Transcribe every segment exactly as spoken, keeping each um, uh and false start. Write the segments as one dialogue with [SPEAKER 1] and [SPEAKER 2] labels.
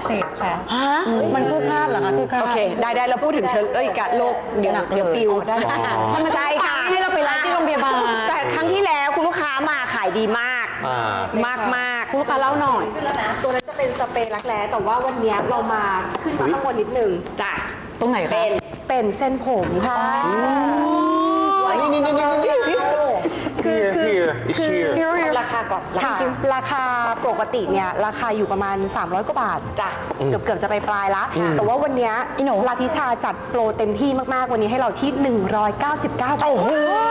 [SPEAKER 1] เสพค่ะ
[SPEAKER 2] ฮะมันคือคาดเหรอคะคือคาด
[SPEAKER 3] โอเค ได้ได้เราพูดถึงเชื้อเอ้ยกะโรคเดี๋ยวเดี๋ยวปิวได้
[SPEAKER 2] ถ้ามัน
[SPEAKER 3] ใช่ค่ะ
[SPEAKER 2] ให้เราไปไลฟ์ที่โรงพยาบาล
[SPEAKER 3] แต่ครั้งที่แล้วคุณลูกค้ามาขายดีมาก
[SPEAKER 4] อ่าม
[SPEAKER 3] ากมาก
[SPEAKER 2] คุณลูกค้าเล่าหน่อย
[SPEAKER 1] ตัวนั้นจะเป็นสเปรย์รักแร้แต่ว่าวันนี้เรามาขึ้นมาข้างบนนิดนึง
[SPEAKER 3] จ้ะ
[SPEAKER 2] ตรงไหนคะ
[SPEAKER 3] เป็น
[SPEAKER 1] เป็นเส้นผมค่ะ
[SPEAKER 4] นี่นี่นี่นี่นี่
[SPEAKER 1] คือคือ
[SPEAKER 4] here it's
[SPEAKER 1] คือ
[SPEAKER 4] here
[SPEAKER 3] ราคาก่อน
[SPEAKER 1] ค่ะราคาปกติเนี่ยราคาอยู่ประมาณ สามร้อย กว่าบาทจ้ะเกือบเกือบจะไปปลายละแต่ว่าวันเนี้ย
[SPEAKER 2] อีหนู
[SPEAKER 1] ลาทิชาจัดโปรเต็มที่มากๆ วันนี้ให้เราที่ หนึ่งร้อยเก้าสิบเก้า บาท โอ้โห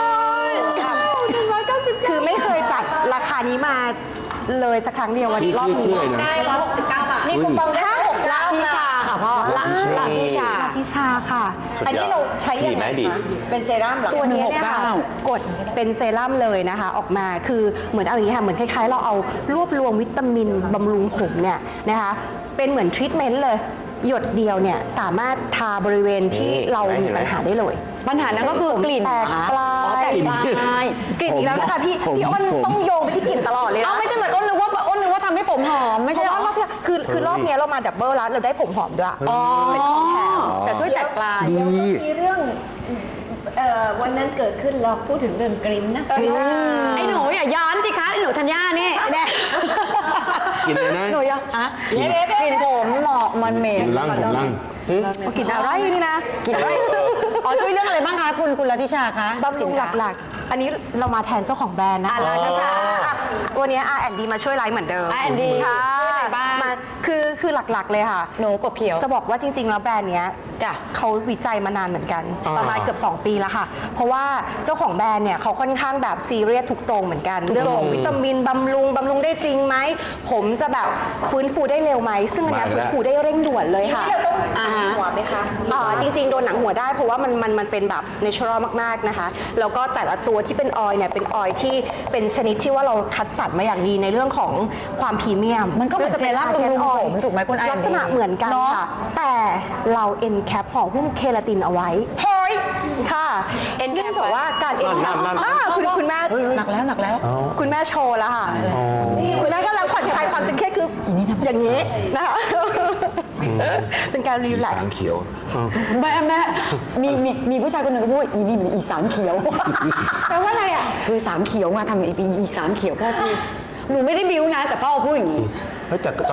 [SPEAKER 1] คือไม่เคยจัดราคานี้มาเลยสักครั้งเดียววันนี้รอบนี้
[SPEAKER 3] ได้ร้อยหกสิบเก้าบาท นี่คูปองได้หก
[SPEAKER 2] ละทิชาค่ะพ่อละละทิชา
[SPEAKER 1] ลาทิชาค่ะ
[SPEAKER 4] สุด
[SPEAKER 3] อัน
[SPEAKER 4] ยอ
[SPEAKER 3] นี้
[SPEAKER 4] ด
[SPEAKER 3] เราใช้ยังไง
[SPEAKER 4] ดีไหมดี
[SPEAKER 3] คะเป็นเซรั่มเหรอ
[SPEAKER 1] ตัวนี้เนี่ยค่ะ
[SPEAKER 2] หนึ่งหกเก้า
[SPEAKER 1] กดเป็นเซรั่มเลยนะคะ ออกมาคือเหมือนเอาอย่างนี้ค่ะเหมือนคล้ายๆ เราเอารวบรวมวิตามินบำรุงผมเนี่ยนะคะเป็นเหมือนทรีทเมนต์เลย หยดเดียวเนี่ยสามารถทาบริเวณที่เรามีปัญหาได้เลย
[SPEAKER 2] ปัญหานั้นก็คือกลิ่น
[SPEAKER 1] แตกปลา
[SPEAKER 2] อ๋อย แตกปลาย
[SPEAKER 1] กลิ่นอีกแล้วนะคะพี่
[SPEAKER 4] ผม
[SPEAKER 1] พี่อ้น
[SPEAKER 4] ผม
[SPEAKER 1] ต้องโยงไปที่กลิ่นตลอดเลย
[SPEAKER 2] เอา
[SPEAKER 1] นะ
[SPEAKER 2] ไม่ใช่เหมือนอ้นนึกว่าอ้นนึกว่าทำให้ผมหอมไม่
[SPEAKER 1] เพ
[SPEAKER 2] ใช่
[SPEAKER 1] ราะ
[SPEAKER 2] เหร
[SPEAKER 1] ว่า
[SPEAKER 2] อ
[SPEAKER 1] รอบเนี้ยคือคือรอบเนี้ยเรามาดับเบิลแล้วเราได้ผมหอมด้วย
[SPEAKER 2] อ๋อ
[SPEAKER 1] เป็นของแถม
[SPEAKER 2] แต่ช่วยแตกปลาย
[SPEAKER 4] ดี
[SPEAKER 5] มีเรื่องเอ่อวันนั้นเกิดขึ้นเราพูดถึงเรื่องกริมนะ
[SPEAKER 2] ไอ้หนูอย่าย้อนสิคะไอ้หนูธัญญานี่แดง
[SPEAKER 4] กินเลยนะ
[SPEAKER 2] หนูอย่าฮะกลิ่นผมเหมาะมันเหม็น
[SPEAKER 4] กินล่างผมล่าง
[SPEAKER 1] กลิ่นอะไรนี่นะ
[SPEAKER 2] กลิ่นอะไรอ๋อช่วยเรื่องอะไรบ้างคะคุณคุณลัทธิชาคะ
[SPEAKER 1] บำรุงหลักๆ อันนี้เรามาแทนเจ้าของแบรนด์นะคะ
[SPEAKER 2] อ่าราชา
[SPEAKER 1] อ่ะตัวเนี้ย อาร์ แอนด์ ดี มาช่วยไลฟ์เหมือนเดิม
[SPEAKER 2] อาร์ แอนด์ ดี
[SPEAKER 1] ค่ะ
[SPEAKER 2] ช่วยอะไรบ้าง
[SPEAKER 1] มาคือคือหลักๆเลยค่ะ
[SPEAKER 2] หนูกบเขียว
[SPEAKER 1] จะบอกว่าจริงๆ แล้วแบรนด์เนี้ย
[SPEAKER 2] จ้ะ
[SPEAKER 1] เขาวิจัยมานานเหมือนกัน
[SPEAKER 4] อ่า
[SPEAKER 1] ประมาณเกือบ สอง ปีแล้วค่ะ เพราะว่าเจ้าของแบรนด์เนี่ยเขาค่อนข้างแบบซีเรียสทุกตรงเหมือนกัน เรื่องของวิตามินบำรุงบำรุงได้จริงไหม ผมจะแบบฟื้นฟูได้เร็วไหม ซึ่งอันเนี้ยฟื้นฟูได้เร่งด่วนเลยค่ะ
[SPEAKER 3] เราต้อง
[SPEAKER 2] อ่าฮะ
[SPEAKER 3] หัวไหมคะ
[SPEAKER 1] อ่าจริงๆ โดนหนังหัวได้เพราะว่ามันมันมันเป็นแบบเนเชอรัลมากๆนะคะ แล้วก็แต่ละตัวที่เป็นออยล์เนี่ยเป็นออยล์ที่เป็นชนิดที่ว่าเราคัดสรรมาอย่างดีในเรื่องของความพรีเมียม
[SPEAKER 2] มันก็เหมือนเซรั่มบำรุงผมถูกไหมคุณไอ
[SPEAKER 1] ลักษณะเหมือนกัน
[SPEAKER 2] เนอะ
[SPEAKER 1] ค่ะ แต่เราเอ็นแคปห่อหุ้มเคลาตินเอาไว้
[SPEAKER 2] เฮ้ย
[SPEAKER 1] ค่ะ
[SPEAKER 2] เอ็นแคป
[SPEAKER 1] เนื่องจากว่าการเอ็นแค
[SPEAKER 4] นั่
[SPEAKER 1] ป
[SPEAKER 4] นนั่นนั่น
[SPEAKER 1] อ่าคุณคุณแม่
[SPEAKER 2] หนักแล้วหนักแล้ว
[SPEAKER 1] คุณแม่โชว์แล้วค่ะ คุณแม่กำลังผ่อนคลายความตึงเครียดคืออย่างนี้นะคะเป็นการรี
[SPEAKER 4] อี
[SPEAKER 1] แลก
[SPEAKER 4] สาน
[SPEAKER 1] ซ์
[SPEAKER 4] เขียว
[SPEAKER 2] แม่แม่มีมีมีผู้ชายคนหนึ่งก็พูดว่าอีนี่มันอีสานเขียว
[SPEAKER 1] แปลว่าอะไรอ่ะ
[SPEAKER 2] คือสามเขียวมาทำไอ้ปีอีสานเขียวพ่อพูดหนูไม่ได้บิ้วนะแต่พ่อพูดอย่างนี้
[SPEAKER 4] เฮ้ยแต่ตอน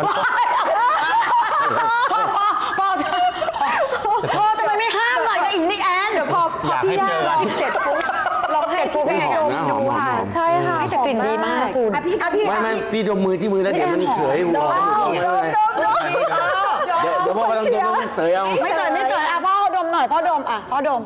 [SPEAKER 2] พ่อพ่อพ่อพ่อทำไมไม่ห้ามหน่อยนะอีนี่แอน
[SPEAKER 1] เดี๋ยวพอพอพี่ย่าลองเสร็จปุ๊บลองให้พี่แม่ดมดูค่ะใช่ค่ะ
[SPEAKER 2] แต่กลิ่นดีมากคุณ
[SPEAKER 1] อ่ะพี่อ่ะพี่
[SPEAKER 4] ไม่ไม่พี่ดมมือที่มือแล้วเดี๋ยวมันเสยหัวเดี๋ยวเดี๋ยวพ่อกำลังดมมันเสยเอา
[SPEAKER 2] ไม่เจอไม่เจออ่ะพ่อดมหน่อยพ่อดมอ่ะพ่อดม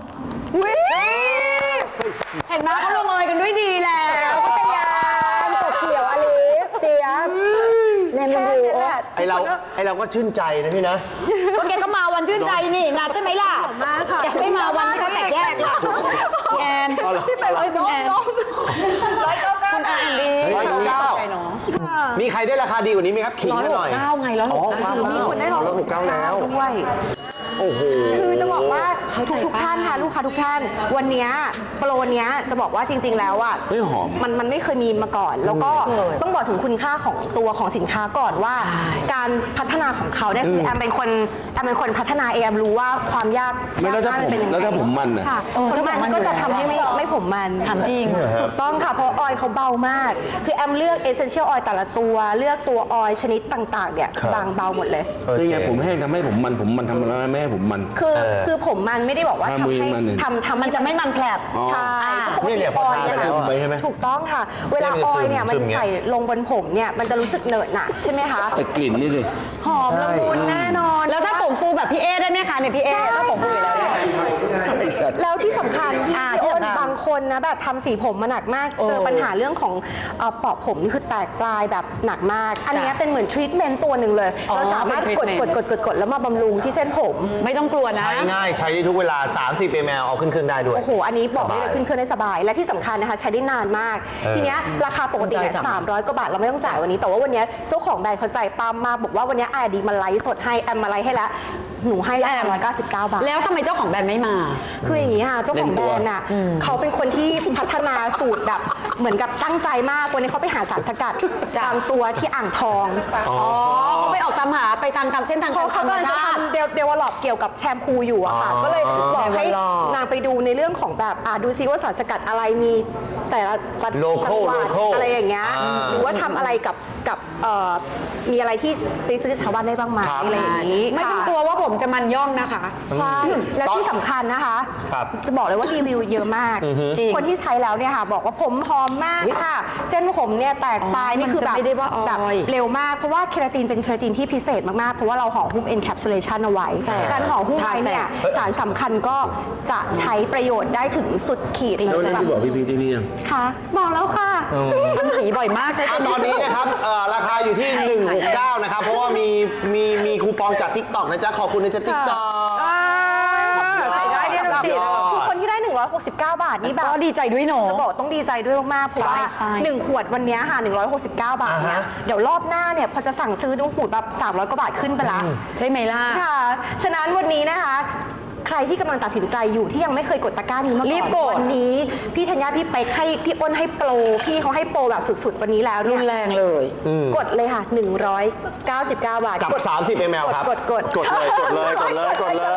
[SPEAKER 2] เห็นไหมเขาลงเอยกันด้วยดีแล้วพัทยากบเขียวอลิสเจี๊ยบเนมดูโอ้
[SPEAKER 4] ไอเราไอเราก็ชื่นใจนะพี่นะ
[SPEAKER 2] ก็แกก็มาวันชื่นใจนี่นะใช่ไหมล่ะ
[SPEAKER 1] มาค่ะ
[SPEAKER 2] แกไม่มาวันที่เขาแตกแยกล่ะแอน
[SPEAKER 4] เอาเหรอ
[SPEAKER 2] เอ้ยคุณแอนคุณแอนดี
[SPEAKER 4] ร้อยเก้าเก้า
[SPEAKER 2] ใจเนาะ
[SPEAKER 4] มีใครได้ราคาดีกว่านี้ไหมครับขิง
[SPEAKER 2] ร้อย
[SPEAKER 4] กัน
[SPEAKER 2] ห
[SPEAKER 4] หน่
[SPEAKER 2] ก
[SPEAKER 4] อย
[SPEAKER 2] เก้าไงร้อยห
[SPEAKER 4] อ๋อก
[SPEAKER 2] เก้า
[SPEAKER 4] เก้า
[SPEAKER 1] มีคนได้ลอง
[SPEAKER 4] ร้อยหกเก้าแล้ว
[SPEAKER 1] ด้วย
[SPEAKER 4] โอ้โห
[SPEAKER 1] คือจะบอกว่า
[SPEAKER 2] เข้าใจ
[SPEAKER 1] ทุก
[SPEAKER 2] ป่ะ
[SPEAKER 1] ๆท่านค่ะลูกค้าทุกท่าน วันเนี้ยโปรเนี้ยจะบอกว่าจริง ๆ แล้วอ่ะ
[SPEAKER 4] เฮ้ยหอม
[SPEAKER 1] มันมันไม่เคยมีมาก่อน แล้วก็ต้องบอกถึงคุณค่าของตัวของสินค้าก่อนว่า การพัฒนาของเขาเนี่ยคือแอมเป็นคนแอมเป็นคนพัฒนาเองแอมรู้ว่าความยาก
[SPEAKER 4] ไม่แล้วถ้าผม
[SPEAKER 1] ยกง่ยนเป็นยังไง
[SPEAKER 4] แล้วถ้าผมมันน่ะ
[SPEAKER 1] ค่ะ
[SPEAKER 2] เออ
[SPEAKER 1] คน
[SPEAKER 2] ถ้าผม
[SPEAKER 1] มัน
[SPEAKER 2] มัน
[SPEAKER 1] ก็จะ
[SPEAKER 2] อยู่
[SPEAKER 1] ทำให้ไม่
[SPEAKER 2] แล้ว
[SPEAKER 1] ไม่ผมมัน
[SPEAKER 2] ถามจริง
[SPEAKER 1] ถูกต้องค่ะเพราะออยล์เขาเบามาก คือแอมเลือกเอเซนเชียลออยล์แต่ละตัวเลือกตัวออยล์ชนิดต่างๆเนี่ยบางเบาหมดเลย
[SPEAKER 4] คือไงผมแห้งทำให้ผมมันผมมันทำอะไรไม่ให้ผมมัน
[SPEAKER 1] คือคือผมมันไม่ได้บอกว่า
[SPEAKER 4] ทำ
[SPEAKER 1] ทำ
[SPEAKER 4] มือ
[SPEAKER 1] ให้
[SPEAKER 4] มันเนี่ย
[SPEAKER 1] ทำทำ
[SPEAKER 2] มันจะไม่มันแผลบ
[SPEAKER 1] ใช่
[SPEAKER 4] เนี่ยเนี่ยพอทา
[SPEAKER 1] ปกติ
[SPEAKER 4] ซึมไปใช่ไหม
[SPEAKER 1] ถูกต้องค่ะ เวลา
[SPEAKER 4] เนี่ย
[SPEAKER 1] อ
[SPEAKER 4] มันจะ
[SPEAKER 1] อยล์เนี่ย
[SPEAKER 4] ซึ
[SPEAKER 1] มัน
[SPEAKER 4] มๆเงี้ย
[SPEAKER 1] ใส่ลงบนผมเนี่ยมันจะรู้สึกเหนอะหนะใช่ไหมคะ
[SPEAKER 4] แต่กลิ่นนี่สิ
[SPEAKER 1] หอมละมุนแน่นอน
[SPEAKER 2] แล้วถ้าผมฟูแบบพี่เอได้ไหมคะเนี่ยพี่เอถ้าผมฟูอยู่แล้วเนี่ย
[SPEAKER 1] แล้วที่สำคัญพี่
[SPEAKER 2] อ่า
[SPEAKER 1] อ้น
[SPEAKER 2] ที่สำคัญ
[SPEAKER 1] บางคนนะแบบทำสีผมมาหนักมาก
[SPEAKER 2] เออ
[SPEAKER 1] เจอปัญหาเรื่องของเอ่อเปาะผมนี่คือแตกปลายแบบหนักมาก อันเนี้ยเป็นเหมือนทรีทเมนต์ตัวหนึ่งเลย
[SPEAKER 2] อ๋อ
[SPEAKER 1] เราสามารถ
[SPEAKER 2] เป็น
[SPEAKER 1] กด
[SPEAKER 2] treatment
[SPEAKER 1] กดกดกดกดแล้วมาบำรุงที่เส้นผม
[SPEAKER 2] ไม่ต้องกลัวนะ
[SPEAKER 4] ใช้ง่ายใช้ได้ทุกเวลา สามสิบ มล เอาขึ้นเครื่องได้ด้วย
[SPEAKER 1] โอ้โห อันนี้บอกได้
[SPEAKER 4] ส
[SPEAKER 1] เล
[SPEAKER 4] บาย
[SPEAKER 1] ยขึ้นเครื่องได้สบาย และที่สำคัญนะคะ ใช้ได้นานมาก
[SPEAKER 4] เออ
[SPEAKER 1] ทีเนี้ยราคาปกติเนี่ย
[SPEAKER 2] ใจสั่ง
[SPEAKER 1] สามร้อยกว่าบาท เราไม่ต้องจ่ายวันนี้ แต่ว่าวันเนี้ยเจ้าของแบรนด์เขาใจปั๊มมากบอกว่าวันเนี้ยไอดีมาไลฟ์สดให้ แอมมาไลฟ์ให้แล้วหนูให้ราคาร้อยเก้าสิบเก้าบาท
[SPEAKER 2] แล้วทำไมเจ้าของแบรนด์ไม่มา
[SPEAKER 1] คืออย่างนี้ค่ะเจ้าของแบรนด์อ่ะเขาเป็นคนที่พัฒนาสูตรแบบเหมือนกับตั้งใจมากวันนี้เขาไปหาสารสกัดตามตัวที่อ่างทอง
[SPEAKER 2] อ๋อเขาไปออกตามหาไปตามตามเส้นทาง
[SPEAKER 1] เขา
[SPEAKER 2] ธร
[SPEAKER 1] เขา
[SPEAKER 2] รม
[SPEAKER 1] กำลังจะ
[SPEAKER 2] ชาติ
[SPEAKER 1] ทำเดเดเวลลอปเกี่ยวกับแชมพูอยู่อะค่ะ ก็เลยบอกให้
[SPEAKER 2] develop
[SPEAKER 1] นางไปดูในเรื่องของแบบอ่าดูซิว่าสารสกัดอะไรมีแต่ละจัง
[SPEAKER 4] Local
[SPEAKER 1] หวัด
[SPEAKER 4] local
[SPEAKER 1] อะไรอย่างเงี้ย
[SPEAKER 4] อ่า
[SPEAKER 1] หรือว่าทำอะไรกับกับเอ่อมีอะไรที่ไปซื้อชาวบ้านได้บ้างไหม
[SPEAKER 4] ครับ
[SPEAKER 1] อะไรอย่างนี้
[SPEAKER 2] ไม่ต้อง
[SPEAKER 1] ค่ะ
[SPEAKER 2] กลัวว่าผมจะมันย่องนะคะ
[SPEAKER 1] ใช่ แล้วที่สำคัญนะคะ
[SPEAKER 4] ครับ
[SPEAKER 1] จะบอกเลยว่ารีวิวเยอะมาก
[SPEAKER 2] จริง
[SPEAKER 1] คนที่ใช้แล้วเนี่ยค่ะ บอกว่าผมหอมมากค่ะ เส้นผมเนี่ยแตกปลายนี่คือแบบ
[SPEAKER 2] มันจะไม่ได้ว่าออย
[SPEAKER 1] แบบเร็วมาก เพราะว่าเคราตินเป็นเคราตินที่พิเศษมาก ๆ เพราะว่าเราห่อหุ้ม encapsulation เอาไว้ การห่อหุ้มไว้เนี่ยสารสำคัญก็จะใช้ประโยชน์ได้ถึงสุดขีดเล
[SPEAKER 4] แล้ว
[SPEAKER 1] ย
[SPEAKER 4] นั่น
[SPEAKER 1] แบบ
[SPEAKER 4] ที่บอกพี่พีที่นี่ยัง
[SPEAKER 1] ค่ะบอกแล้วค่ะ
[SPEAKER 2] ทำสีบ่อยมากใช้
[SPEAKER 4] อ่ะ
[SPEAKER 2] ตัว
[SPEAKER 4] ตอนนี้นะครับเอ่อราคาอยู่ที่ หนึ่งหกเก้า นะครับ เพราะว่ามีมีมีคูปองจาก TikTok นะจ๊ะ ขอบคุณนะจ๊ะ TikTok
[SPEAKER 1] ใส่ได้เนี่ย
[SPEAKER 4] สุดยอด
[SPEAKER 1] คือคนที่ได้ หนึ่งร้อยหกสิบเก้า บาทนี่แบบ
[SPEAKER 2] ก็ดีใจด้วยเนาะ
[SPEAKER 1] จะบอกต้องดีใจด้วยมากๆ เพราะว่า
[SPEAKER 2] ใช่
[SPEAKER 1] หนึ่งขวดวันเนี้ยค่ะหนึ่งร้อยหกสิบเก้า บาทเนี่ย
[SPEAKER 4] อ่าฮะ
[SPEAKER 1] เดี๋ยวรอบหน้าเนี่ยพอจะสั่งซื้อดูหูดแบบสามร้อยกว่าบาทขึ้นไปละ
[SPEAKER 2] ใช่ไหมล่ะ
[SPEAKER 1] ค่ะ ฉะนั้นวันนี้นะคะ ใครที่กำลังตัดสินใจอยู่ที่ยังไม่เคยกดตะกร้านี้มาก่อน
[SPEAKER 2] รีบกด
[SPEAKER 1] วันนี้พี่ธัญญาพี่เป๊กให้พี่อ้นให้โปรพี่เขาให้โปรแบบสุดๆ วันนี้แล้วเนี่
[SPEAKER 2] รุ
[SPEAKER 1] ย
[SPEAKER 2] นแรงเลย
[SPEAKER 1] กดเลยค่ะหนึ่งร้อยเก้าสิบเก้า บาท
[SPEAKER 4] กับ
[SPEAKER 1] กด
[SPEAKER 4] สามสิบมิลลิลิตร ครับ
[SPEAKER 1] กดกด
[SPEAKER 4] กดเลย กดเลย กดเลย กดเลย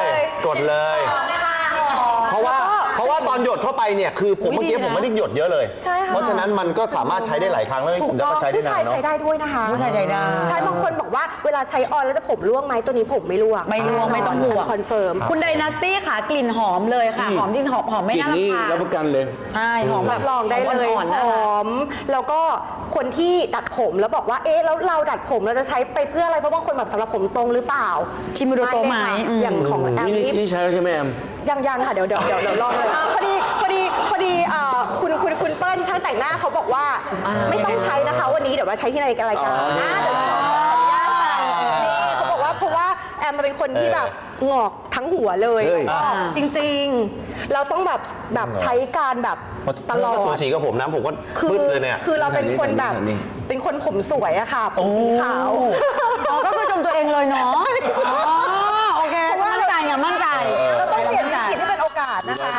[SPEAKER 4] กดเลย เพราะว่า เพราะว่าตอนหยดเข้าไปเนี่ย คือผม
[SPEAKER 2] อุ๊ย
[SPEAKER 4] เมื่อกี้
[SPEAKER 2] ดีนะ
[SPEAKER 4] ผมไม่ได้หยดเยอะเลย
[SPEAKER 1] ใช่ค่ะ
[SPEAKER 4] เพราะฉะนั้นมันก็สามารถใช้ได้หลายครั้งแล้ว
[SPEAKER 1] ถู
[SPEAKER 4] ผ
[SPEAKER 1] ก
[SPEAKER 4] มจะ
[SPEAKER 1] ต้อง
[SPEAKER 4] ก็ใช้ได้
[SPEAKER 1] ผู้
[SPEAKER 4] นา
[SPEAKER 1] ชาย
[SPEAKER 4] นเนาะ
[SPEAKER 1] ใช้ได้ด้วยนะคะ
[SPEAKER 2] ผู้ชายใช้ได้
[SPEAKER 1] ใช่บางคนบอกว่าเวลาใช้ออนแล้วจะผมร่วงไหมตัวนี้ผมไม่ร่วง
[SPEAKER 2] ไม่ร่วงไม่ต้องห่วง
[SPEAKER 1] คอนเฟิร์ม
[SPEAKER 2] คุณไดนาสตี้ค่ะกลิ่นหอมเลยค่ะ หอมจริงหอมหอมไม่
[SPEAKER 4] กลิ่น
[SPEAKER 2] น่ารำ
[SPEAKER 4] นี่
[SPEAKER 2] คาญ
[SPEAKER 4] รับประกันเลย
[SPEAKER 2] ใช่หอมแบบ
[SPEAKER 1] ลองได้เลย
[SPEAKER 2] อ่อนๆ
[SPEAKER 1] ห
[SPEAKER 2] นะคะ
[SPEAKER 1] อม แล้วก็คนที่ดัดผมแล้วบอกว่าเอ๊ะแล้วเราดัดผมเราจะใช้ไปเพื่ออะไรเพราะบางคนแบบสำหรับผมตรงหรือเปล่า
[SPEAKER 2] ชิมดูโตไหม
[SPEAKER 1] เลยค่ะ
[SPEAKER 2] อืม
[SPEAKER 1] อย่างของแอม
[SPEAKER 4] นี่
[SPEAKER 1] นี่
[SPEAKER 4] นี่ใช้แล้วใช่ไหมแอม
[SPEAKER 1] ยังยังค่ะเดี๋ยวเดี๋ยวเดี๋ยวเดี๋ยวลองเลยพอดีพอดีพอดีเอ่อคุณคุณคุณเปิ้ลช่างแต่งหน้าเขาบอกว่าไม่ต้องใช้นะคะ วันนี้เดี๋ยวมาใช้ที่ในรายการนะเดี๋ยวขออนุญาตค่ะนี่เขาบอกว่าเพราะว่าแอมมาเป็นคนที่แบบงอกทั้งหัวเลย
[SPEAKER 4] เฮ้ย
[SPEAKER 1] งอกจริงๆ เราต้องแบบแบบใช้การแบบตลอ
[SPEAKER 4] ก็สู
[SPEAKER 1] ด
[SPEAKER 4] สีกับผมนะผมก็
[SPEAKER 1] คือ
[SPEAKER 4] มืดเลยเนี่ย
[SPEAKER 1] คือเราเป็นคนแบบ
[SPEAKER 4] นี่
[SPEAKER 1] เป็นคนผมสวยอะค่ะ ผมสีขาว
[SPEAKER 2] อ๋อก็คือชมตัวเองเลยเนาะอ๋อโอเคมั่นใจไงมั่นใจ
[SPEAKER 1] เราต้องเปลี่ยน
[SPEAKER 2] มั่นใจ
[SPEAKER 1] วิกฤตให้เป็นโอกาสนะคะ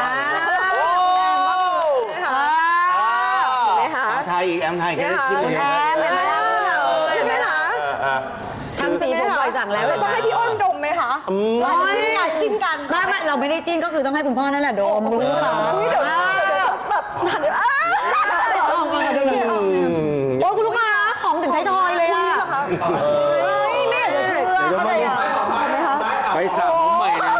[SPEAKER 1] เห็นไหมคะ
[SPEAKER 4] ไทยอีกแอมไทย
[SPEAKER 1] เห็นไหมคะ
[SPEAKER 4] ขึ้น
[SPEAKER 1] แอมเห็นไหมล่ะใช่ไหมคะ
[SPEAKER 2] ทำสีผมบ่อยสั่งแล้ว
[SPEAKER 1] เราต้องให้พี่อ้นดมไหมคะเราจะจิ้นกันจิ้นกัน
[SPEAKER 2] ไม่ไม่เราไม่ได้จิ้นก็คือต้องให้คุณพ่อนั่นแหละดมรู้หรือเปล่า
[SPEAKER 1] อุ๊ยเดี๋ยวเดี๋ยวเดี๋ยวแบบหันอ้า
[SPEAKER 2] เอามาดูเลยโอ้คุณลูกค้าหอมถึงไทยทอยเลยอ่ะเฮ้ยไม่อยากจะเชื่อเข้าใจอ่ะ
[SPEAKER 4] ไปสระผมใหม่เลย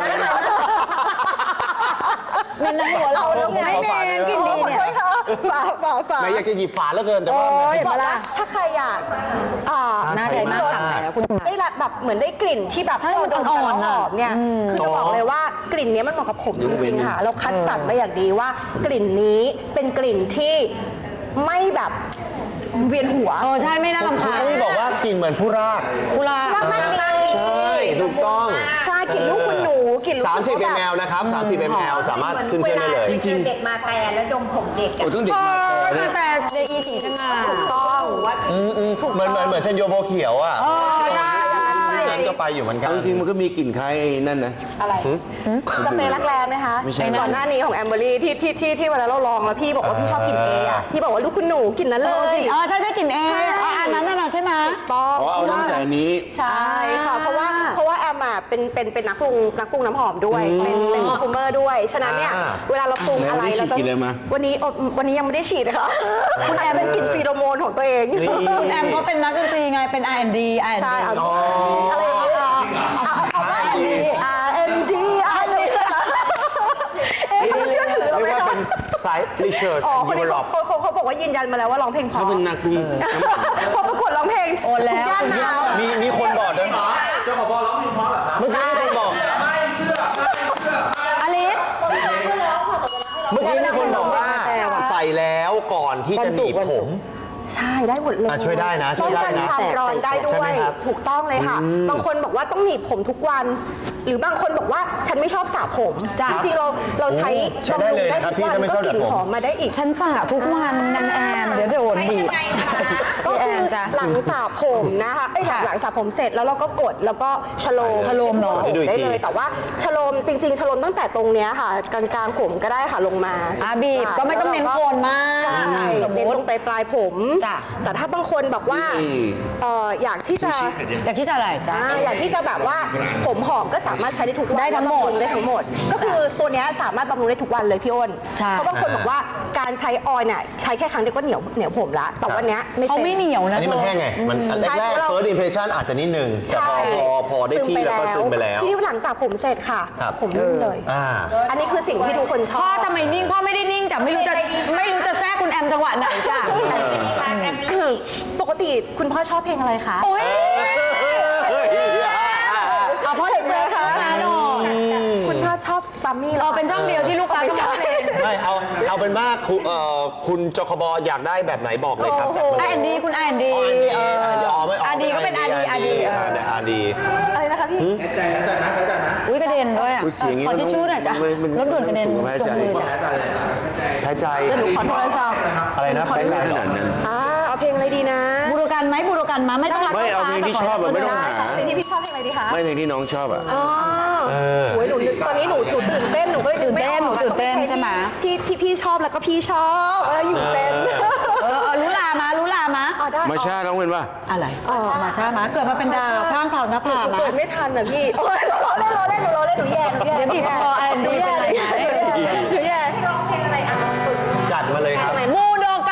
[SPEAKER 2] มันในหัวเราแล้วไง
[SPEAKER 4] เอาฝาเลยนะ
[SPEAKER 2] กินดีเนี่ย
[SPEAKER 1] ฝาฝาฝา
[SPEAKER 4] แม่อยากจะหยิบฝาแล้วเกินแต่ว่า
[SPEAKER 1] โอ้ย
[SPEAKER 4] มัน
[SPEAKER 1] บอกว่าถ้าใครอยากอ่า
[SPEAKER 2] น่าใช้มากสั่งแล้วคุณ
[SPEAKER 1] ได้รับแบบเหมือนได้กลิ่นที่แบบ
[SPEAKER 2] ใช่มัน
[SPEAKER 1] โดน
[SPEAKER 2] อ่
[SPEAKER 1] กั
[SPEAKER 2] อน นๆ
[SPEAKER 1] แล้วหอมเนี่ย
[SPEAKER 2] อืม
[SPEAKER 1] คือจะบอกเลยว่ากลิ่นเนี้ยมันเหมาะกับผมจริงๆค่ะเราคัดสรรมาอย่างดีว่ากลิ่นนี้เป็นกลิ่นที่ไม่แบบเวียนหัว
[SPEAKER 2] เออใช่ไม่น่ารำ
[SPEAKER 4] คุณ
[SPEAKER 2] คาญ
[SPEAKER 4] อุ้ยบอกว่ากลิ่นเหมือนผู้ราก
[SPEAKER 2] กุหลาบ
[SPEAKER 1] มันดี
[SPEAKER 4] ใช่ถูกต้อง
[SPEAKER 1] ใช่กลิ่นลูกคุณหนูกลิ่นลูก
[SPEAKER 4] สามสิบ
[SPEAKER 1] คุณ
[SPEAKER 4] มิล
[SPEAKER 1] แบบ
[SPEAKER 4] ลิลิตรนะครับ สามสิบมิลลิลิตร สามารถขึ้นเครื่องได้เลย
[SPEAKER 5] จริงเด็กมาแต่แล้วดมผมเด็กอะ
[SPEAKER 4] โอ้ต้องเด็ก
[SPEAKER 2] เอ
[SPEAKER 4] มา
[SPEAKER 2] อแต่เจอีสีสง่า
[SPEAKER 1] ต้องว่า
[SPEAKER 4] เหมือนเหมือนเหมือนเซนโยโบเขียวอ่ะ
[SPEAKER 2] เออใช่
[SPEAKER 4] นั้นก็ไปอยู่เหมือนกัน
[SPEAKER 6] เอาจริงๆมันก็มีกลิ่นคล้ายไอ้นั่นนะ
[SPEAKER 1] อะไรสเปรย์รักแร้ไหมคะ
[SPEAKER 6] ไม่ใช่
[SPEAKER 1] ก่อนหน้านี้ของแอมเบอรี่ที่ที่ที่ที่เวลาเราลองแล้วพี่บอกว่าพี่ชอบกลิ่นเออะที่บอกว่าลูกคุณหนูกลิ่นนั้น
[SPEAKER 2] เอ
[SPEAKER 1] เล
[SPEAKER 2] อก
[SPEAKER 1] ย
[SPEAKER 2] ลิ่นเออใช่ใช่กลิ่นเอเอออันนั้นน่ะใช่ไหม
[SPEAKER 1] ต้อง
[SPEAKER 6] อ๋อเอาตั้งแต่อันนี้
[SPEAKER 1] ใช่ค่ะ เพราะว่าเพราะว่าแอมอ่ะเป็นเป็นเป็นนักปรุงนักปรุงน้ำหอมด้วย เป็นเป็นคอมฟูเมอร์ด้วย ฉะนั้นเนี่ย
[SPEAKER 4] อ่า
[SPEAKER 1] เวลาเราปรุงอะไร
[SPEAKER 6] แล้วได้ฉี
[SPEAKER 1] เรา
[SPEAKER 6] ด
[SPEAKER 1] ต้อง
[SPEAKER 6] กลิ่นอะไรมา
[SPEAKER 1] วันนี้อ๋อวันนี้ยังไม่ได้ฉีดนะคะคุณแอมเป็นกลิ่นฟีโรโมนของตัวเอง
[SPEAKER 2] คุณแอมเขาเป็นนักดนตรีไงเป็น อาร์ แอนด์ ดี อาร์ แอนด์
[SPEAKER 1] ใช่
[SPEAKER 2] ดี
[SPEAKER 1] เอาอะไรอย่างเงี้ยเอาเอาเอา อาร์ เอ็น ดี อาร์ เอ็น ดี เอ๊ะเขาจะเชื่อถือเรา
[SPEAKER 4] เรีย
[SPEAKER 1] ไหม
[SPEAKER 4] กว่า
[SPEAKER 1] คะ
[SPEAKER 4] เป็นสายรีเชิร์ช
[SPEAKER 1] อ๋อคนนี้
[SPEAKER 4] ดีเวลลอป
[SPEAKER 1] เขาเขาเขาบอกว่ายืนยันมาแล้วว่าร้องเพลงเพราะ
[SPEAKER 6] ถ้าเป็นนักปรุงน้ำหอม
[SPEAKER 1] พอประกวดร้องเพลง
[SPEAKER 2] โอนแล้ว
[SPEAKER 1] ย่านน้ำ
[SPEAKER 4] มีมีคนบอกด้วยนะเจ้าของบอลร้องเพลงเพราะเหรอครับเมื่อกี้มีคนบอก
[SPEAKER 2] อลิส
[SPEAKER 4] เมื่อกี้มีคนบอกว่าใส่แล้วก่อนที่จะหนีบผม
[SPEAKER 1] ใช่ได้หมดเลย
[SPEAKER 4] อ่ะช่วยได้นะช่วยได้นะ
[SPEAKER 1] ป้องกันความร้อนได้ด้
[SPEAKER 4] ใช่
[SPEAKER 1] ว
[SPEAKER 4] ไหม
[SPEAKER 1] ย
[SPEAKER 4] ครับ
[SPEAKER 1] ถูกต้องเลยค่ะ บางคนบอกว่าต้องหนีบผมทุกวัน หรือบางคนบอกว่าฉันไม่ชอบสระผมจริงๆเราเราใช้
[SPEAKER 4] ใช้ได้เลยนะครับพี่ถ้าไม่ชอบ
[SPEAKER 1] ก็กลิ่น
[SPEAKER 4] สระผม
[SPEAKER 1] หอมมาได้อีก
[SPEAKER 2] ฉันสระทุกวันนางแอมเดี๋ยวโดนบีบ
[SPEAKER 1] ก็คือ
[SPEAKER 2] นจ้ะ
[SPEAKER 1] หลังสระผมนะคะไอ้ยหลังหลังสระผมเสร็จแล้วเราก็กดแล้วก็ชโลม
[SPEAKER 2] ชโลมเนอะ
[SPEAKER 1] ผมได้เลยแต่ว่าชโลมจริง ๆชโลมตั้งแต่ตรงเนี้ยค่ะกลางๆผมก็ได้ค่ะลงมา
[SPEAKER 2] อ่ะบีบก็ไม่ต้องเน้นโคนมาก
[SPEAKER 1] ใช่
[SPEAKER 2] สมม
[SPEAKER 1] เน้น
[SPEAKER 2] ติ
[SPEAKER 1] ตรงปลายปลายๆผม
[SPEAKER 2] จ้ะ
[SPEAKER 1] แต่ถ้าบางคนบอกว่าเอ่ออยากที่จะ
[SPEAKER 2] อยากที่จะอะไรจ้ะ
[SPEAKER 1] อ่าอยากที่จะแบบว่าผมหอมก็สามารถใช้ได้ทุกวัน
[SPEAKER 2] ได้ทั้งหมด
[SPEAKER 1] บำรุได้ทั้งหมด ก็คือตัวเนี้ยสามารถบำรุงได้ทุกวันเลยพี่อ้น
[SPEAKER 2] ใช่
[SPEAKER 1] เพราะบางคนบอกว่าการใช้ออยล์เนี่ยใช้แค่ครั้งเดียวก็เหนียวเหนียวผมละแต่วันเนี้ยไม่
[SPEAKER 2] เขา
[SPEAKER 1] เป็น
[SPEAKER 2] ไม่เหนียว
[SPEAKER 4] อั
[SPEAKER 2] นะ
[SPEAKER 4] นนี้มันแห้งไง มันอัน
[SPEAKER 1] ใช่
[SPEAKER 4] แรก
[SPEAKER 1] เรา
[SPEAKER 4] ๆ first impression อาจจะนิดนึงแต่พอพอพอได้ที่แล้วก็ซึมไปแล้ว
[SPEAKER 1] ทีนี้หลังสระผมเสร็จค่ะ
[SPEAKER 4] ครับ
[SPEAKER 1] ผมนุ่มเลย
[SPEAKER 4] อ่า
[SPEAKER 1] อันนี้คือสิ่งที่ทุกคนชอบ
[SPEAKER 2] พ่อทำไมนิ่งพ่อไม่ได้นิ่งแต่ไม่รู้จะไม่รู้จะแทรกคุณแอมจังหวะไหนจ้ะ
[SPEAKER 1] ปกติคุณพ่อชอบเพลงอะไรคะ
[SPEAKER 2] โอ้ยเอาพ่อเด็กเลยค่ะนะหนอ
[SPEAKER 1] คุณพ่อชอบบัมมี่หร
[SPEAKER 2] เรา
[SPEAKER 1] อ
[SPEAKER 2] เป็นช่องเดียวที่ลูกค้าชอบเพลง
[SPEAKER 4] ไม่เอาเอาเป็นว่าคุณเอ่อคุณจคบอยากได้แบบไหนบอกเลยครับจัดมา
[SPEAKER 2] ไอ
[SPEAKER 4] เลย
[SPEAKER 2] แอนดีคุณไอแอนดี
[SPEAKER 4] อ๋ออันดี
[SPEAKER 2] เออ
[SPEAKER 4] อันดีอ๋อไม่
[SPEAKER 2] อาดีก็เป็นอาดีอาดี
[SPEAKER 4] อ่าแต่อาดี
[SPEAKER 1] อะไรนะคะพี่
[SPEAKER 2] อุ้ยกระเด็นด้วยอ่ะ
[SPEAKER 6] อุ๊ยเสียงอย่างนี้
[SPEAKER 2] ขอทิชชู่หน่อยจ้ะ
[SPEAKER 6] มันมัน
[SPEAKER 2] รถด่วนกระเด็น
[SPEAKER 6] มัน
[SPEAKER 2] ตรงมือจ้ะ
[SPEAKER 4] แพ้ใจ
[SPEAKER 1] เดี๋ยวหนูขอโทรศัพท์
[SPEAKER 4] อะไรนะแพ้ใจ
[SPEAKER 6] ข
[SPEAKER 4] เหรอ
[SPEAKER 6] นาดนั้น
[SPEAKER 1] อ่าเอาเพลงอะไรดีนะ
[SPEAKER 2] บูโรกันไหมบูโรกันมาไม่ต้องรัก
[SPEAKER 6] ไม่เอาเพลงที่ชอบอะไม่ต้องหา
[SPEAKER 1] เพลงที่พี่ชอบเพลงอะไรดีคะ
[SPEAKER 6] ไม่เพลงที่น้องชอบอ่ะ
[SPEAKER 1] อ๋อโอ้ยหนูนึกตอนนี้หนูหนูตื่นเต้นหนูก็เลยนึกไม่ออก
[SPEAKER 2] หนูตื่นเต้นใช่ไหม
[SPEAKER 1] ที่ที่พี่ชอบแล้วก็พี่ชอบเอออยู่เป็น
[SPEAKER 2] เออเออรู้ลามารู้ลามา
[SPEAKER 1] อ๋อได้
[SPEAKER 6] มาชาร้องเป็นว่า
[SPEAKER 2] อะไรมาช้ามาเกิดมาเป็นดาวพร่างพราวหน้าผา
[SPEAKER 1] หนู
[SPEAKER 2] มา
[SPEAKER 1] เกิดไม่ทันอ่ะพี่โอ้ยเราเล่นเราเล่นหนูเราเล่นหนูแย่หนูแย่
[SPEAKER 2] เดี๋ยวบีบคอไอแอนดีเป็นอะไรไหม
[SPEAKER 1] หนูแย่
[SPEAKER 5] ร้องเพลงอะไรอ่ะฝึก
[SPEAKER 4] จัดมาเลยครับ
[SPEAKER 2] บูโดกัน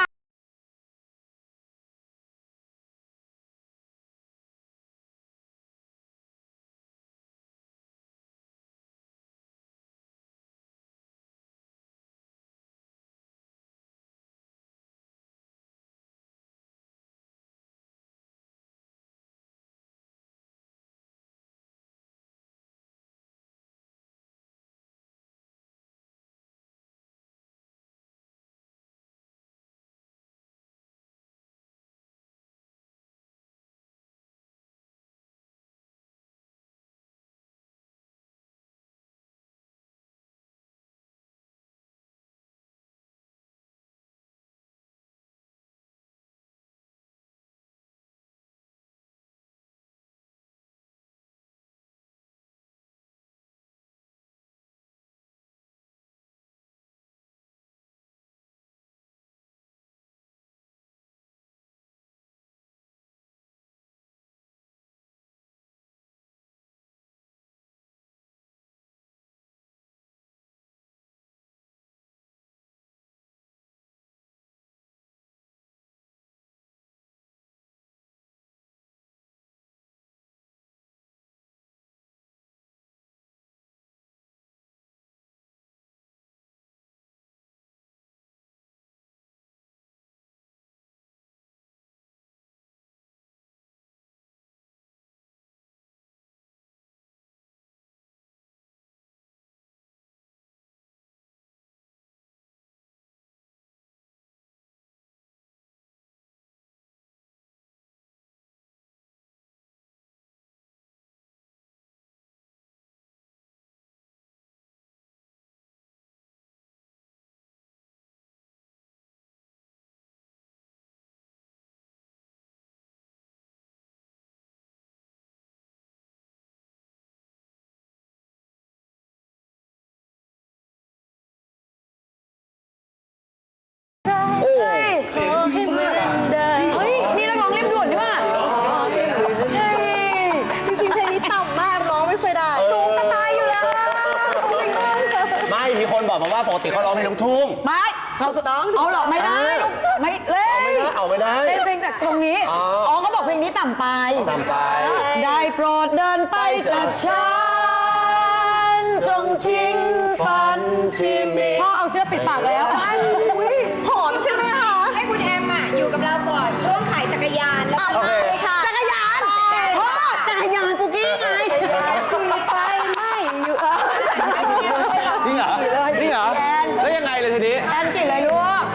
[SPEAKER 2] เฮ้ยนี่นักร้องเรียบด่วนนี่ว่ะเฮ้ย
[SPEAKER 1] จริงๆเพลงนี้ต่ำมากร้องไม่เคยได้
[SPEAKER 2] สูงจะตายอยู่แล้ว
[SPEAKER 4] ไม่มีคนบอกมาว่าปกติเขาร้องเพลงลูกทุ่ง
[SPEAKER 2] ไม่เขาต้องเอาหรอกไม่ได้ลูกไม่เล่น
[SPEAKER 4] เอาไม่ได้
[SPEAKER 2] เล่นเพลงจากตรงนี้
[SPEAKER 4] อ๋อ
[SPEAKER 2] อ๋อเขาบอกเพลงนี้ต่ำไป
[SPEAKER 4] ต่ำไป
[SPEAKER 2] ได้โปรดเดินไปจากฉันจงทิ้งฝัน
[SPEAKER 4] ที่มี
[SPEAKER 2] พ่อเอาเสื้อปิดปากแล้ว
[SPEAKER 1] อุ๊ยหอมใช่ไหมคะ
[SPEAKER 5] ให้คุณแอมอ่ะอยู่กับเราก่อนช่วงขายจักรยานแล้ว
[SPEAKER 1] โอเคค่ะ
[SPEAKER 2] จักรยานพ่อจักรยานปุกกี้ไง
[SPEAKER 1] ขี่ไปไม่อยู่เออ
[SPEAKER 6] จริงเหรอจริงเหรอแล้วยังไงเลยทีนี้
[SPEAKER 2] แอนกี่เลยลูก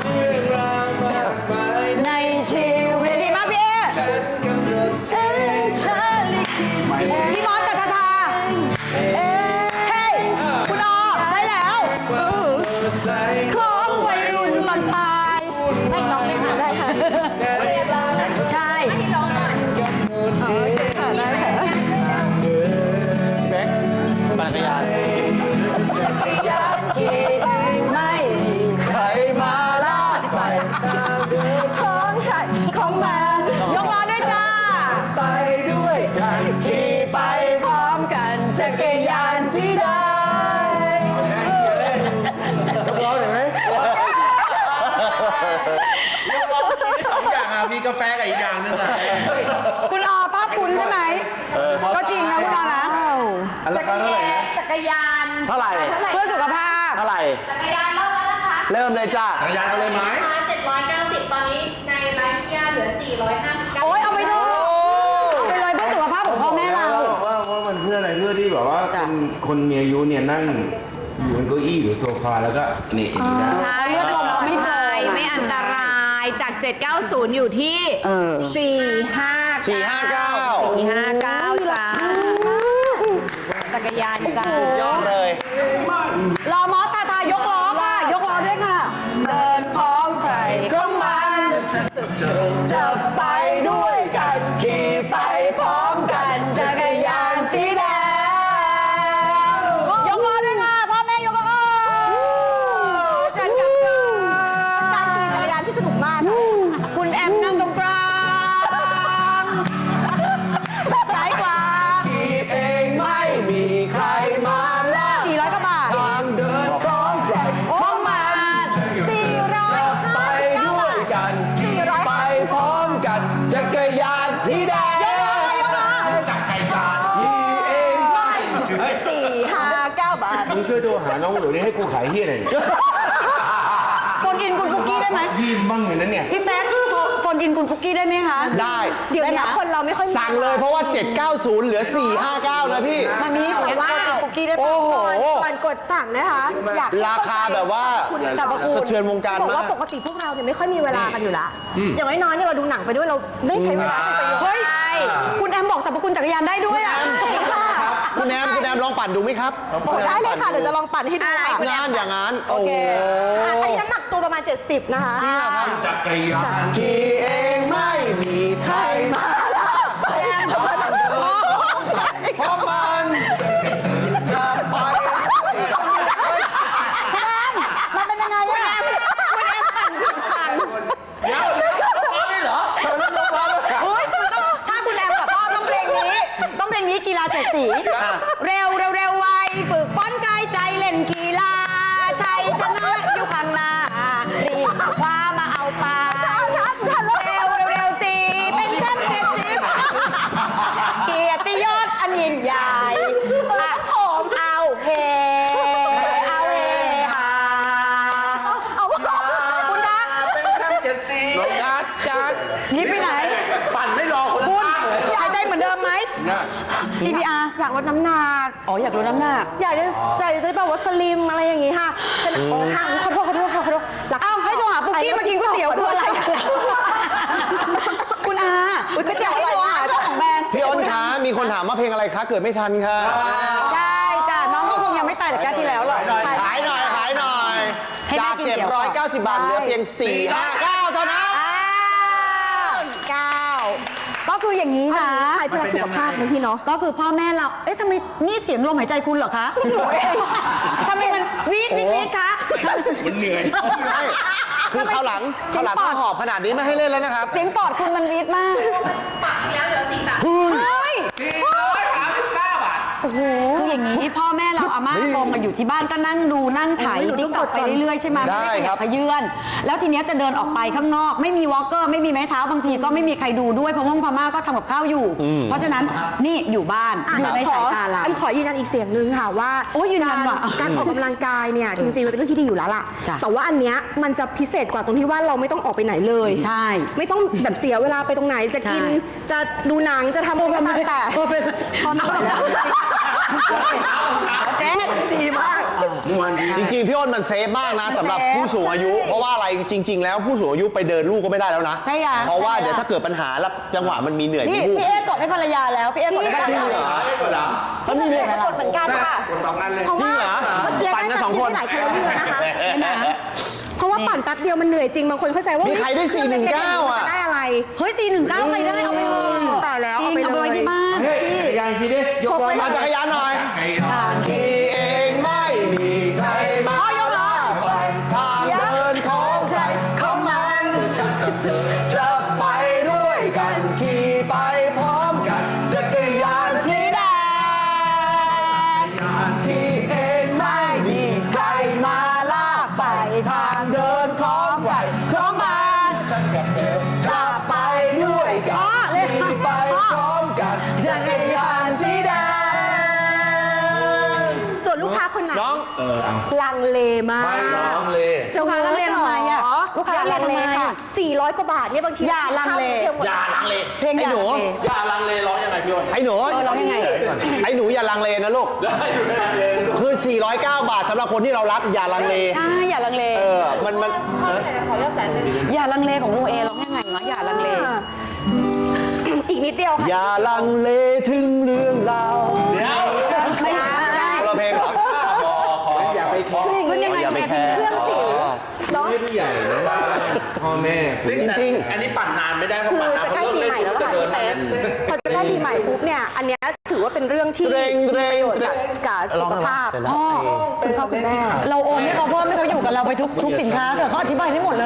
[SPEAKER 2] ในชีวิตดีมากพี่เอพี่มอสกับทาทาเฮ้ยคุณอใช่แล้วของวัยรุ่นบางปลายให้น้องเลยค่ะได้ค่ะใช่
[SPEAKER 6] กาแฟกับอีกอย่างหนึงอะ
[SPEAKER 2] คุณอภาพคุณใช่ไหมก็จริงนะคุณอนะ
[SPEAKER 6] อันราคาเท่าไหร่นะ
[SPEAKER 5] จักรยาน
[SPEAKER 4] เท่าไหร่
[SPEAKER 2] เพื่อสุขภาพ
[SPEAKER 4] เท่าไหร่
[SPEAKER 5] จักรยานเล่าแล้วนะคะ
[SPEAKER 4] เริ่มเลยจ้า
[SPEAKER 6] จักรยานเอาเลยไหม
[SPEAKER 5] ราคาเจ็ดร้อยเก้าสิบตอนนี้ในไลฟ์เกียร์เหลือสี่ร้อยห้าสิบเก้า
[SPEAKER 2] โอ๊ยเอาไปเถอะเอาไปเลยเพื่อสุขภาพของพ่อแม่เรา
[SPEAKER 7] ว่าว่ามันเพื่ออะไรเพื่อที่แบบว่า
[SPEAKER 2] จ้ะ
[SPEAKER 7] คนคนมีอายุเนี่ยนั่งอยู่บนเก้าอี้หรือโซฟาแล้วก็นี่อย่างนี้ได้
[SPEAKER 3] ใช่เลือดลมไม่ไฟไม่อันตรายจาก เจ็ดเก้าศูนย์ อยู่ที่
[SPEAKER 2] เออ
[SPEAKER 3] สี่ห้า
[SPEAKER 4] สี่ห้าเก้า
[SPEAKER 3] สี่ห้าเก้าจ้าจักรยานจ้า
[SPEAKER 4] ยอดเลย
[SPEAKER 2] รอมอสทาทายกล้อค่ะ ยกล้อด้วยค่ะ เดินของใครก็มันจะไปด้วยกันขี่ไปพร้อมกันจักรยานสีแดงยกล้อด้วยค่ะพ่อแม่ยกล้อจันกับเธอการขี่จักรยานที่สนุกมากคุณแอมนั่งตรงกลางซ้ายขวา
[SPEAKER 4] ขี่เองไม่มีใครมาลาก
[SPEAKER 2] สี่ร้อยกว่าบาท
[SPEAKER 4] ทางเดินของใคร
[SPEAKER 2] ห้องมาสี่ร้อย
[SPEAKER 4] ไปด้วยกัน
[SPEAKER 2] สี่ร้อย
[SPEAKER 4] ไปพร้อมกันจักรยานสีแดง
[SPEAKER 6] จักรยาน
[SPEAKER 4] ขี่เองไม่
[SPEAKER 2] สี่ห้าเก้าบาท
[SPEAKER 7] มึงช่วยโทรหาน้องหนูนี่ให้กูขายเฮียหน่อยดิ
[SPEAKER 2] โฟนอินคุณคุกกี้ได้ไหม
[SPEAKER 7] พี่บ้างเลยนะเนี่ย
[SPEAKER 2] พี่แป๊กโทรโฟนอินคุณคุกกี้ได้ไหมคะ
[SPEAKER 4] ได้
[SPEAKER 1] เดี๋ยว
[SPEAKER 2] ได้
[SPEAKER 1] นี้
[SPEAKER 2] ไหม
[SPEAKER 1] คนเราไม่ค่อยมี
[SPEAKER 4] สั่งเลยเพราะว่า เจ็ดเก้าศูนย์ เหลือ สี่ห้าเก้า นะพี่
[SPEAKER 2] มามีขอว่าคุกกี้ได้ปะ
[SPEAKER 4] โอ้โห
[SPEAKER 1] ก่อนกดสั่งนะคะ อยากให้
[SPEAKER 4] ราคาแบบว่า
[SPEAKER 1] สรรพคุณ
[SPEAKER 4] สะเทือนวงการ
[SPEAKER 1] บอก
[SPEAKER 4] มา
[SPEAKER 1] ว่าก ปกติพวกเราเนี่ยไม่ค่อยมีเวลากันอยู่ละอย่างน้อยๆเนี่ยเราดูหนังไปด้วยเราได้ใช้เวลาเป็นประโยชน์
[SPEAKER 2] เฮ้ยคุณแอมบอกสรรพคุณจักรยานได้ด้วยอ่ะ
[SPEAKER 4] คุณแอมคุณแอมลองปั่นดูไหมครับ
[SPEAKER 1] ได้เลยค่ะ เดี๋ยวจะลองปั่นให้ดูค่ะ
[SPEAKER 4] งานอย่างนั้น โอ้โห
[SPEAKER 1] อ่ะอันนี้น้ำหนักตัวประมาณ เจ็ดสิบ นะคะ
[SPEAKER 6] จักรยาน
[SPEAKER 4] ขี่เองไม่มีใครมาลากไปทางเดินเพราะมันจะไป
[SPEAKER 2] คุณแอมมันเป็นยังไงอ่ะ
[SPEAKER 4] เดี๋ยวเดี๋ยวร้องนี่เหรอทำไมต้องร้องด้วย
[SPEAKER 2] เฮ้ยมันต้องถ้าคุณแอมกับพ่อต้องเพลงนี้ ต้องเพลงนี้กีฬาเจ็ดสี เร็วเร็วเร็วไวฝึกฟ้อนกายใจเล่นกีฬาชัยชนะอยู่ข้างหน้ารีบคว้ามาเอาไปเร็วเร็วเร็วสิเป็นแชมป์เจ็ดสิบเกียรติยศอันยิ่งใหญ่อะผมเอาเฮเอาเฮฮาเอาคุณนะ
[SPEAKER 6] เป็นแชมป์เจ็ดสี
[SPEAKER 4] จัดจัด
[SPEAKER 2] นี่ไปไหน
[SPEAKER 6] ปั่นไม่รอคน
[SPEAKER 2] คุณ
[SPEAKER 6] ข้างเลย
[SPEAKER 2] หายใจเหมือนเดิมไหม ซี พี อาร์
[SPEAKER 1] อยากลดน้ำหนัก
[SPEAKER 2] อ๋ออยากลดน้ำหนัก
[SPEAKER 1] อยากจะใส่จะแบบว่าสลิมอะไรอย่างงี้ค่ะเป็นโอ้ทางขอโทษขอโทษขอโทษหลัก
[SPEAKER 2] อ้าวให้โทรหาปุ๊กกี้มากินก๋วยเตี๋ยวคืออะไรกันคุณอาก๋วยเตี๋ยวให้โทรหาเจ้าของแบรนด์
[SPEAKER 4] พี่อ้นคะมีคนถามว่าเพลงอะไรคะ เกิดไม่ทันค่ะ
[SPEAKER 2] ใช่จ้ะน้องก็คงยังไม่ตายจากการที่แล้วหรอก
[SPEAKER 4] ขายหน่อยขายหน่อย จาก เจ็ดร้อยเก้าสิบ บาทเหลือเพียง สี่ห้าเก้า เท่านั้น
[SPEAKER 2] เก้าก็คืออย่างนี้นะ
[SPEAKER 1] ใครเพื่อสุขภาพนะพี่เนาะ
[SPEAKER 2] ก็คือพ่อแม่เรา เอ๊ะทำไมนี่เสียงลมหายใจคุณเหรอคะทำไมมันวีดวีดวีดคะ
[SPEAKER 6] มันเหนื่อย
[SPEAKER 4] ไม่คือเขาวหลัง
[SPEAKER 2] เสี
[SPEAKER 4] เขา
[SPEAKER 2] ยว ง
[SPEAKER 4] หลัง
[SPEAKER 2] ปอ
[SPEAKER 4] เขา
[SPEAKER 2] ด
[SPEAKER 4] หอบขนาดนี้ไม่ให้เล่นแล้วนะครับ
[SPEAKER 2] เสียงปอดคุณมันวีดมาก
[SPEAKER 5] ปักที่แล้วเหลือสี่สาม
[SPEAKER 2] เฮ้ย
[SPEAKER 6] สี่ร้อยสามสิบเก้าบาท
[SPEAKER 2] โอ้โหคืออย่างนี้พ่อแม่เราอาม่าลงมาอยู่ที่บ้านก็นั่งดูนั่งถ่ายติ๊กต็อกไปเรื่อยๆใช่ไหมไม่ได้ขยับขยื่นแล้วทีเนี้ยจะเดินออกไปข้างนอก ไม่มีวอล์กเกอร์ไม่มีไม้เท้าบางทีก็ไม่มีใครดูด้วยเพราะว่าพม่าก็ทำกับข้าวอยู่ เพราะฉะนั้นนี่อยู่บ้านอยู่ในสายตาเรา
[SPEAKER 1] อันขอยืนยันอีกเสียงหนึ่งค่ะว่า
[SPEAKER 2] โอ้ยยืนยัน
[SPEAKER 1] การ
[SPEAKER 2] ว่ะ
[SPEAKER 1] การออกกำลังกายเนี่ยจริงๆมันเป็นเรื่องที่ดีอยู่แล้วล่ะ
[SPEAKER 2] จ้ะ
[SPEAKER 1] แต่ว่าอันเนี้ยมันจะพิเศษกว่าตรงที่ว่าเราไม่ต้องออกไปไหนเลย
[SPEAKER 2] ใช่
[SPEAKER 1] ไม่ต้องแบบเสียเวลาไปตรงไหนจะกิน
[SPEAKER 2] ใช่
[SPEAKER 1] จะดูหนังจะทำอะไรก็ตามแต่พอไม่ไหวแล้วเจ๊ดีมาก
[SPEAKER 4] จริงๆ พี่อ้นมันเซฟมากนะสำหรับผู้สูงอายุ เพราะว่าอะไรจริง ๆ แล้วผู้สูงอายุไปเดินลูกก็ไม่ได้แล้วนะ
[SPEAKER 2] ใช่ค่ะ
[SPEAKER 4] เพราะว่า
[SPEAKER 2] ใช่ค่ะ
[SPEAKER 4] เดี๋ยวถ้าเกิดปัญหาแล้วจังหวะมันมีเหนื่อย
[SPEAKER 2] นี่
[SPEAKER 4] มีวูบ
[SPEAKER 2] พี่เอ๊กดให้ภรรยาแล้วพี่เอ๊กดให้ภรรยา
[SPEAKER 6] ได้กว่าเหรอ
[SPEAKER 4] มันมีเหนื่อย
[SPEAKER 1] กดเหมือนกันค่ะ
[SPEAKER 6] กดสองอันเลย
[SPEAKER 1] เพราะ
[SPEAKER 4] จริ
[SPEAKER 1] ว่าง
[SPEAKER 4] เหรอ
[SPEAKER 1] เมื่อกี้
[SPEAKER 4] ปั่นกันสองคน
[SPEAKER 1] ได้หลายแคลอรี่แล้วนะคะใช่ไหมเพราะว่าปั่นแป๊บเดียวมันเหนื่อยจริงบางคนเข้าใจว่า
[SPEAKER 4] มีใครได้สี่หนึ่งเก้าอ่ะ
[SPEAKER 1] จะได้อะไร
[SPEAKER 2] เฮ้ยสี่หนึ่งเก้าใครได้เอาไปเลย
[SPEAKER 1] ตายแล้ว
[SPEAKER 2] จริงเอาไปไว้ที่บ้าน
[SPEAKER 7] เฮ้ยจักรยานทีดิยกล้อ
[SPEAKER 4] มาจักรยานหน่อยขี่เองไม่มีใครมาลากไปทางเดินของใครของมันจะไปด้วยกันขี่ไปพร้อมกันจักรยานสีแดงขี่เองไม่มีใครมาลากไปทางเดินของใครของมันจะไป
[SPEAKER 1] ค้าคนไหน
[SPEAKER 4] น้อง
[SPEAKER 7] เออเอา
[SPEAKER 1] ลังเลมาก
[SPEAKER 4] ไม่น้องเลย
[SPEAKER 2] ลูกค้าลังเลทำไมอะลูกค้าลังเลทำไม
[SPEAKER 1] ค่ะ
[SPEAKER 2] อะ
[SPEAKER 1] สี่ร้อยกว่าบาทเนี่ยบางที
[SPEAKER 2] อย่าลังเล
[SPEAKER 4] อย่าลังเล
[SPEAKER 2] เพลง
[SPEAKER 4] ไอ้หนู
[SPEAKER 2] อย่าลังเล
[SPEAKER 4] อย่าลังเลร้องยังไงพี่อ้นไอ้หนู
[SPEAKER 2] เออร้องยังไง
[SPEAKER 4] ไอ้หนูอย่าลังเลนะลูกคือ สี่ร้อยเก้า บาทสำหรับคนที่เรารับอย่าลังเล
[SPEAKER 2] ใช่อย่าลังเล
[SPEAKER 4] เออ มันมันเออ
[SPEAKER 2] อย่าลังเลของลุงเอร้องยังไงวะอย่าลังเล
[SPEAKER 1] อีกนิดเดียวค่ะ
[SPEAKER 4] อย่าลังเลถึงเรื่องราว
[SPEAKER 2] ไม่ใช่
[SPEAKER 4] คนละเพลงเหรอขอขออย่าไปขอ
[SPEAKER 2] ขึ้นยังไง
[SPEAKER 4] อย่าไปแคร์
[SPEAKER 1] เครื่องจิ๋วเนาะ
[SPEAKER 7] ไม่ผู้ใหญ่นะพ่อแม่
[SPEAKER 4] จริง
[SPEAKER 7] อันนี้ปั่นนานไม่ได้เพราะ
[SPEAKER 1] คือ
[SPEAKER 7] ปั่นนาน
[SPEAKER 1] จะ
[SPEAKER 7] เพ
[SPEAKER 1] ใกล้
[SPEAKER 7] ราะเลิก
[SPEAKER 1] ปี
[SPEAKER 7] เล่น
[SPEAKER 1] ใหม่แล้ว
[SPEAKER 7] จะ
[SPEAKER 1] ค่ะ
[SPEAKER 7] เดิน
[SPEAKER 1] พี่
[SPEAKER 7] มา
[SPEAKER 1] เป๊กพอจะใกล้ปีใหม่ปุ๊บเนี่ยอันเนี้ยถือว่าเป็นเรื่องที่
[SPEAKER 4] เกรงเกรง
[SPEAKER 1] ประโยชน์กับกับสุขภาพ
[SPEAKER 4] เดี๋ยวนะ
[SPEAKER 2] พ่อ
[SPEAKER 1] คุณพ่อคุณแม่
[SPEAKER 2] เราโอนให้เขาเพิ่มให้เขาอยู่กับเราไปทุกทุกสินค้าเถอะเขาอธิบายได้หมดเลย